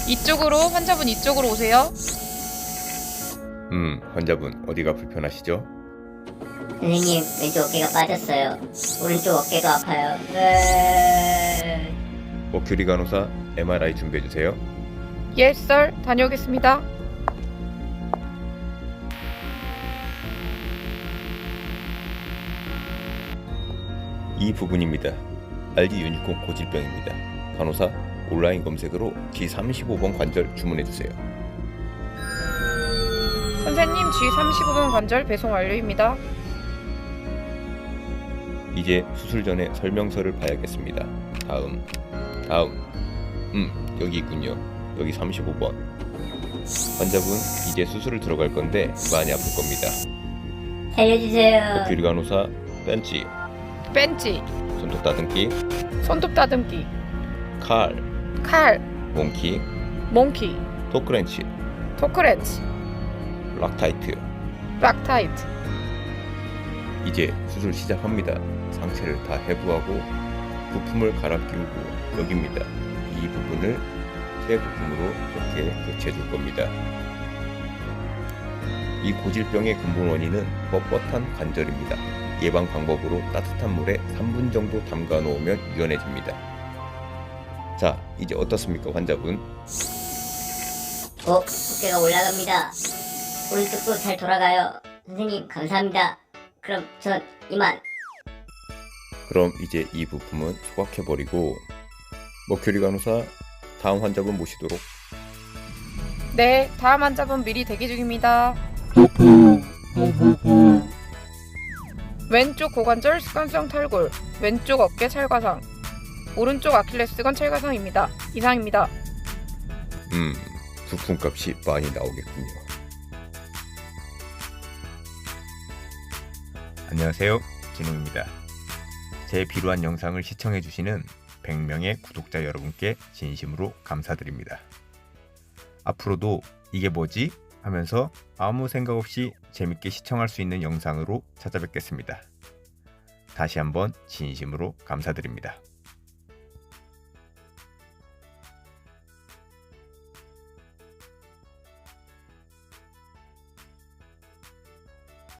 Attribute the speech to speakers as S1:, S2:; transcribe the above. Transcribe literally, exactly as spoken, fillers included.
S1: 이쪽으로, 환자분 이쪽으로 오세요.
S2: 음, 환자분 어디가 불편하시죠?
S3: 선생님, 왼쪽 어깨가 빠졌어요. 오른쪽 어깨도 아파요. 으...
S2: 머큐리 간호사 엠알아이 준비해주세요.
S1: 예, 썰. 다녀오겠습니다.
S2: 이 부분입니다. 알기 유니콘 고질병입니다. 간호사 온라인 검색으로 지 삼십오 번 관절 주문해주세요.
S1: 선생님, 지 삼십오 번 관절 배송 완료입니다.
S2: 이제 수술 전에 설명서를 봐야겠습니다. 다음, 다음. 음, 여기 있군요. 여기 삼십오 번. 환자분 이제 수술을 들어갈 건데 많이 아플 겁니다.
S3: 살려주세요.
S2: 머큐리 간호사 벤치,
S1: 벤치,
S2: 손톱 다듬기,
S1: 손톱 다듬기,
S2: 칼,
S1: 칼,
S2: 몽키,
S1: 몽키,
S2: 토크렌치,
S1: 토크렌치,
S2: 락타이트.
S1: 락타이트.
S2: 이제 수술 시작합니다. 상체를 다 해부하고 부품을 갈아 끼우고 여기입니다. 이 부분을 새 부품으로 이렇게 교체해 줄 겁니다. 이 고질병의 근본 원인은 뻣뻣한 관절입니다. 예방 방법으로 따뜻한 물에 삼 분 정도 담가 놓으면 유연해집니다. 자, 이제 어떻습니까, 환자분?
S3: 어, 어깨가 올라갑니다. 오른쪽도 잘 돌아가요. 선생님, 감사합니다. 그럼 전 이만.
S2: 그럼 이제 이 부품은 소각해버리고 머큐리 간호사 다음 환자분 모시도록.
S1: 네, 다음 환자분 미리 대기 중입니다. 왼쪽 고관절 습관성 탈골, 왼쪽 어깨 찰과상, 오른쪽 아킬레스건 찰과상입니다. 이상입니다.
S2: 음, 부품값이 많이 나오겠군요. 안녕하세요, 진웅입니다. 제 비루한 영상을 시청해주시는 백 명의 구독자 여러분께 진심으로 감사드립니다. 앞으로도 이게 뭐지? 하면서 아무 생각 없이 재밌게 시청할 수 있는 영상으로 찾아뵙겠습니다. 다시 한번 진심으로 감사드립니다.